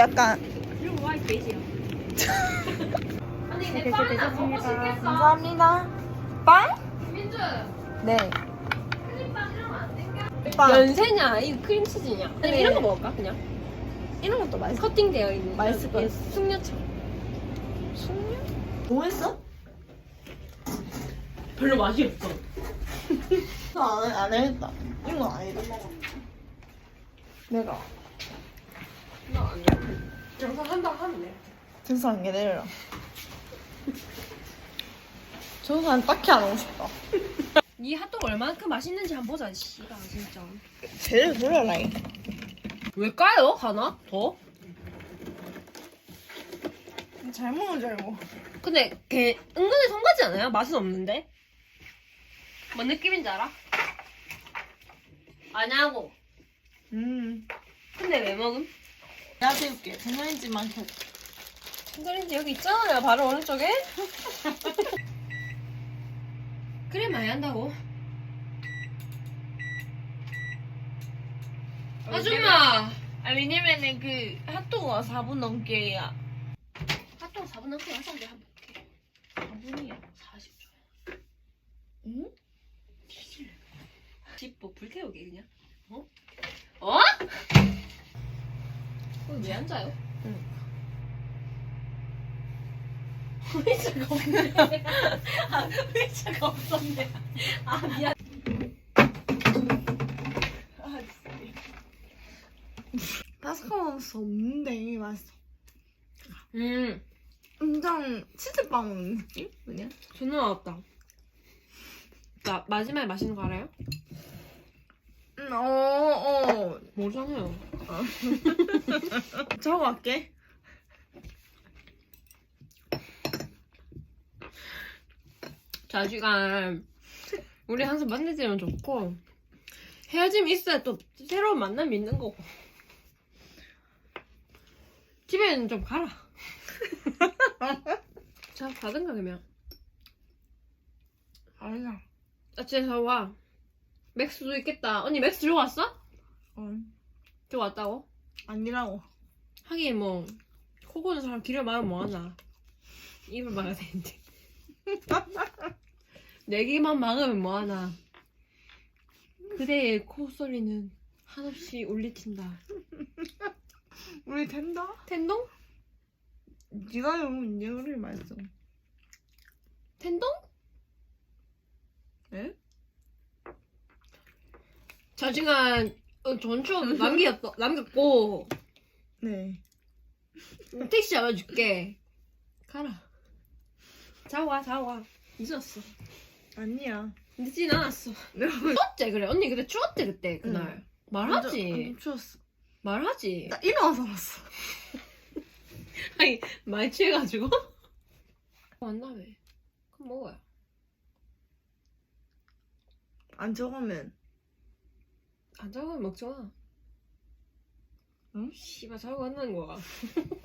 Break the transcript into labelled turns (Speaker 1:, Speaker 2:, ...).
Speaker 1: 약간
Speaker 2: 이런 거 와이 베이지야. 아니 내
Speaker 1: 이렇게
Speaker 2: 빵은 안 먹고
Speaker 1: 되셨습니다.
Speaker 2: 싶겠어.
Speaker 1: 감사합니다. 빵?
Speaker 2: 민주.
Speaker 1: 네.
Speaker 2: 크림빵 이러면 안 될까?
Speaker 1: 빵.
Speaker 2: 연세냐? 이 크림치즈냐? 아니면
Speaker 1: 네.
Speaker 2: 이런 거 먹을까 그냥?
Speaker 1: 이런 것도 맛있어.
Speaker 2: 커팅되어 있는.
Speaker 1: 맛있을 것
Speaker 2: 예,
Speaker 1: 같아.
Speaker 2: 숙녀처럼.
Speaker 1: 숙녀? 뭐 했어?
Speaker 2: 별로 맛이 없어.
Speaker 1: 안 해야겠다. 이건 아니다. 내가
Speaker 2: 나 아니야. 영상 한다 하면 돼.
Speaker 1: 등산 게 내려라. 등산 딱히 안 하고 싶다.
Speaker 2: 이 핫도그 얼마만큼 맛있는지 한번 보자. 씨가 진짜.
Speaker 1: 제대로 돌려라.
Speaker 2: 왜 까요? 하나 더?
Speaker 1: 잘 먹는 줄 알고.
Speaker 2: 근데 걔 은근히 성가지 않아요? 맛은 없는데? 뭔 느낌인지 알아? 아냐고. 근데 왜 먹음?
Speaker 1: 내가 배울게. 전자레인지만 켜.
Speaker 2: 전자레인지 여기 있잖아요. 바로 오른쪽에. 그래 많이 한다고. 아줌마.
Speaker 1: 왜냐면은 그 핫도그가 4분 넘게
Speaker 2: 핫도그 4분 넘게 하셨는데 한번 볼게.
Speaker 1: 4분이야.
Speaker 2: 40초.
Speaker 1: 응?
Speaker 2: 집뭐 불태우게 그냥. 어? 어? 왜 앉아요?
Speaker 1: 응.
Speaker 2: 의자가 없네. 아, 의자가 없었네. 아 미안.
Speaker 1: 바스카만 없는데 맛있어.
Speaker 2: 음.
Speaker 1: 엄청 치즈빵 먹는 느낌? 그냥?
Speaker 2: 존나 맛없다. 나 마지막에 맛있는 거 알아요? 모르잖아요.
Speaker 1: 저거 할게.
Speaker 2: 자주간 우리 항상 만나지면 좋고 헤어짐이 있어야 또 새로운 만남이 있는 거고. 집에는 좀 가라. 자 가든가 그러면.
Speaker 1: 아니야.
Speaker 2: 아침에서 와. 맥스도 있겠다. 언니 맥스 들고 왔어? 들고 왔다고?
Speaker 1: 아니라고.
Speaker 2: 하긴 뭐 코 고는 사람 길을 막으면 뭐하나. 입을 막아야 되는데. 내 귀만 막으면 뭐하나. 그대의 콧소리는 한없이 울리친다.
Speaker 1: 우리 된다?
Speaker 2: 텐동?
Speaker 1: 네가 너무 얘기를 맛있어.
Speaker 2: 텐동?
Speaker 1: 에?
Speaker 2: 자중한 좋은 추억 남겼고
Speaker 1: 네.
Speaker 2: 택시 잡아줄게. 가라. 자고 와. 늦었어.
Speaker 1: 아니야.
Speaker 2: 늦진 않았어. 추웠지 그래. 언니 그때 추웠지 그때 그날. 말하지.
Speaker 1: 완전 추웠어.
Speaker 2: 말하지.
Speaker 1: 나 일어나서 왔어.
Speaker 2: 아니 많이 취해가지고. 만나며. 그럼 먹어요.
Speaker 1: 안 적으면.
Speaker 2: 안 자고 먹지 마.
Speaker 1: 응?
Speaker 2: 씨발 자고 간다는 거야.